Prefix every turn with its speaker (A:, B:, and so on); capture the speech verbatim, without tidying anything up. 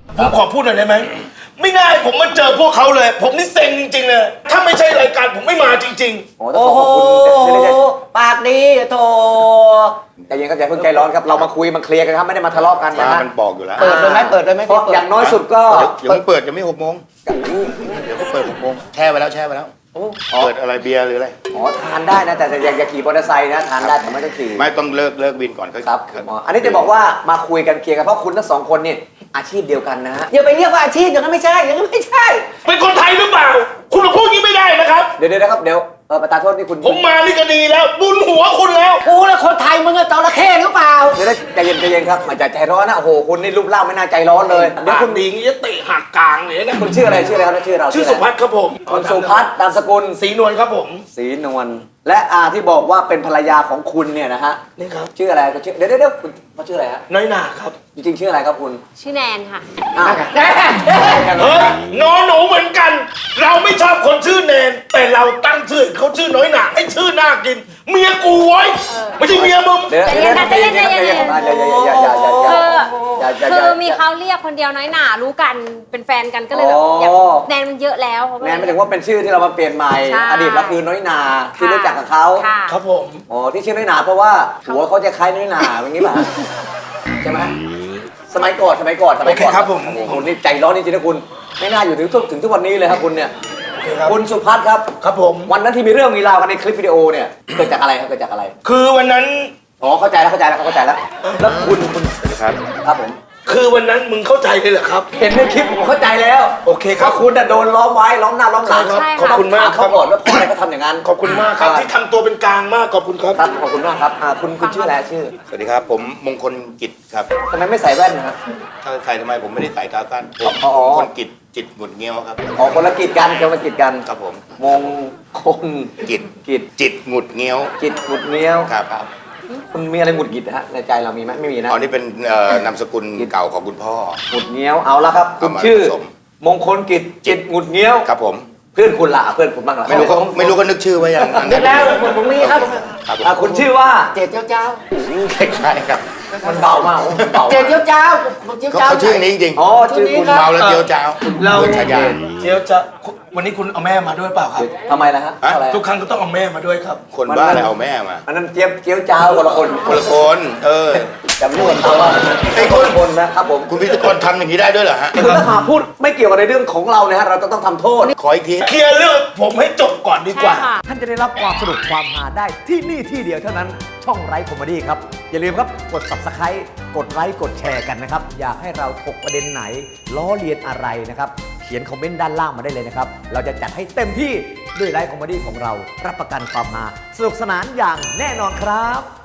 A: ผมขอพูดหน่อยได้ไหมไม่ได้ผมมาเจอพวกเขาเลย ผมนี่เซ็งจริงๆเลยถ้าไม่ใช่รายการผมไม่มาจริงๆ
B: โอ้ต้องขอขอบคุณเดี๋ยวๆปากดีโถใจเย็นครับอย่าเพิ่งใจร้อนครับเรามาคุยมาเคลียร์กันครับไม่ได้มาทะเลาะกันนะ
C: ฟ้า
B: ฮะ
C: มันบอกอยู่แล้ว
D: เปิดเลยไหมเปิดเลยไหม
B: เพราะอย่างน้อยสุดก็
C: เดี๋ยวเพิ่งเปิดยังไม่หกโมงเดี๋ยวก็เปิดหกโมงแช่ไว้แล้วแช่ไว้แล้วเปิดอะไรเบียร์หรืออะไร
B: อ๋อทานได้นะแต่อย่าอย่าขี่มอเตอร์ไซค์นะทานได้แต่ไม่ต้องขี่
C: ไม่ต้องเลิกเลิกวินก่อนค่อย
B: ครับอ๋ออันนี้จะบอกว่ามาคุยกันเคลียร์กันเพราะคุณทั้งสองคนเนี่ยอาชีพเดียวกันนะฮะอย่าไปเรียกว่าอาชีพอย่างนั้นไม่ใช่อย่างนั้นไม่ใช่
A: เป็นคนไทยหรือเปล่า คุณมาพูดอย่างนี้ไม่ได้นะครับ
B: เดี๋ยวเดี๋ยวนะครับเดี๋ยวเออประธานโทษนี่คุณ
A: ผมมานี่ก็ดีแล้วบุญหัวคุณแล้ว
D: กูแล้วคนไทยมึงอะจระเข้หรือเปล่า
B: เดี๋ยวได้ใจเย็นใจเย็นครับมาจากใจร้อนนะโอ้โหคุณนี่รูปร่างไม่น่าใจร้อนเลยเดี๋ยว
A: ปา
B: คุ
A: ก
B: ณ
A: ดีงี้จะเตะหักกลางเลยนะ
B: คุณชื่ออะไรชื่ออะไรครับชื่อเรา
A: ชื่อสุพัฒน์ครับผม
B: คุณสุพัฒน์นามสกุล
A: ศรีนวลครับผม
B: ศรีนวลและอาที่บอกว่าเป็นภรรยาของคุณเนี่ยนะฮะ
A: นี่ครับ
B: ชื่ออะไรก็ชื่อเดี๋ยวเดี๋ยวเดี๋ยวคุณเขาชื่ออะไรฮะ
A: น้อยหนาครับ
B: จริงๆชื่ออะไรครับคุณ
E: ชื่อแนนค่ะ
B: อ้าว
A: เฮ้ยนอนหนูเหมือนกัน เราไม่ชอบคนชื่อแนน แต่เราตั้งชื่อเขาชื่อน้อยหนาให้ชื่อน่ากิน เมียกูไว้ไม่ใช่เมียมึง
B: เดี๋ยว
E: ใจเย็นนะใจเย็นใจเย็นใจเย็น
B: อย่าอย่าอย่าอย่าอย่าอย่า
E: คือ
B: อย่าอย่า
E: คือมีเขาเรียกคนเดียวน้อยหนารู้กันเป็นแฟนกันก็เลยแบบ
B: อ๋อ
E: อยากแนนมันเยอะแล้วเขาก็
B: แน
E: เลย
B: นไม่ถึงว่าเป็นชื่อที่เรามาเปลี่ยนใหม่
E: ใช่
B: อดีตเราคือน้อยนาที่รู้จักกับเขา
E: ค่ะ
A: ครับผม
B: อ๋อที่ชื่อน้อยนาเพราะว่าหัวเขาจะคล้ายน้อยนาอย่างนี้ป่ะใช่ไหมสมัยก่อนสมัยก่อนสมัยก่อน
A: โอเคครับผม
B: โอ้โหนี่ใจร้อนจริงๆนะคุณไม่น่าอยู่ถึงทุกถึงทุกวันนี้เลยครับคุณเนี่ย
A: โอเคครับ
B: คุณสุพัฒน์ครับ
A: ครับผม
B: วันนั้นที่มีเรื่องมีราวกันในคลิปวิดีโอเนี่ยเกิดจากอะไรครับเกิดจากอะไร
A: คือวันนั้น
B: อ๋อเข้าใจแล้วเข้าใจแล้วเข้าใจแล้วแล้วคุณคุณ
C: สวัสดีครับ
B: ครับผม
A: คือวันนั้นมึงเข้าใจเลยเหรอครับ
B: เห็นในคลิปผมเข้าใจแล้ว
A: โอเคครับ
B: ว่าคุณน่ะโดนล้อมไว้ล้อมหน้าล้อมหลัง
A: ใช่
E: ใช่
A: ขอบ
E: ค่ะ
A: คุณมากครั
B: เขา
A: บ
B: ก่อนว่าเพราะอะไรเขาทำอย่างนั้น
A: ขอบคุณมากครับที่ทำตัวเป็นกลางมากขอบคุณครับ
B: ครับขอบคุณมากครับอ่าคุณคุณชื่ออะไรชื่อ
C: สวัสดีครับ ผมมงคลกิจครับ
B: ทำไมไม่ใส่แว่นนะครับ
C: ถ้าใส่ทำไมผมไม่ได้ใส่ตาสั้นผม
B: อ๋อ
C: มงคลกิจจิตหงุดเงี้ยวครับ
B: อ๋อคนละกิจกันคนละกิจกัน
C: ครับผม
B: มงคล
C: กิจ
B: กิจ
C: จิตหงุดเงี้ยว
B: กิจหงุดเงี้ยว
C: ครับครับ
B: คุณมีอะไรหงุดหงิดนะฮะในใจเรามีไหมไม่มีนะ
C: อ๋อนี่เป็นเอ่อนามสกุลเก่าของคุณพ่อ
B: หงุดเงี้ยวเอาละครับคุณ
C: เอามา
B: ชื่อ
C: ผสม
B: มงคลกิจจิตหงุดเงี้ยว
C: ครับผม
B: เพื่อนคุณละเพื่อนคุณบ้างละ
C: ไม่รู้เขาไม่รู้เขานึกชื่อไว้ยังอัน
D: นึ
C: นั้
D: ก
C: น
D: แล้วผมผมมีครับ
C: ครับผม
B: อ่าคุณชื่อว่า
D: เจ็ดเจ้าเจ้า
C: ใช่ครับ
B: มันเบามากโอ้มันเบา
D: เจ็ดเจ้าเจ้าผมเจ้า
C: เขา
D: เจ้า
C: เขาชื่อนี้จริง
B: อ๋อชื่อคุณ
C: ๆเมาแล้วเจียวจ้าว
A: เรา
C: โดนฉายา
A: เดี๋ยวจะวันนี้คุณเอาแม่มาด้วยเปล่าครับ
B: ทำไมล่ะฮะ
C: ฮะ
B: อะไร
A: ทุกครั้งก็ต้องเอาแม่มาด้วยครับ
C: คนบ้าอะไรเอาแม่มา
B: อันนั้นเจี๊ยบเจี๊ยวจ้าวคนละคน
C: คนละคน เออ
B: จำนวนเขาว่า
C: ไอ้
B: ไอ้
C: ค
B: คน นละคนนะครับผม
C: คุณพิธีกรทำอย่างนี้ได้ด้วยเหรอฮะ
B: คือถ้าหากพูดไม่เกี่ยวกับในเรื่องของเราเนี่ยฮะเราจะต้องทำโทษ
C: ขออีกที
A: เคลียร์เรื่องผมให้จบก่อนดีก
E: ใช่
A: ว่า
E: ค่ะ
B: ท่านจะได้รับความสนุกความฮาได้ที่นี่ที่เดียวเท่านั้นช่องไร้คอมเมดี้ครับ อย่าลืมครับกด Subscribe กดไลค์กดแชร์กันนะครับ อยากให้เราถกประเด็นไหน ล้อเลียนอะไรนะครับ เขียนคอมเมนต์ด้านล่างมาได้เลยนะครับ เราจะจัดให้เต็มที่ด้วยไลฟ์คอมเมดี้ของเรารับประกันความฮาสนุกสนานอย่างแน่นอนครับ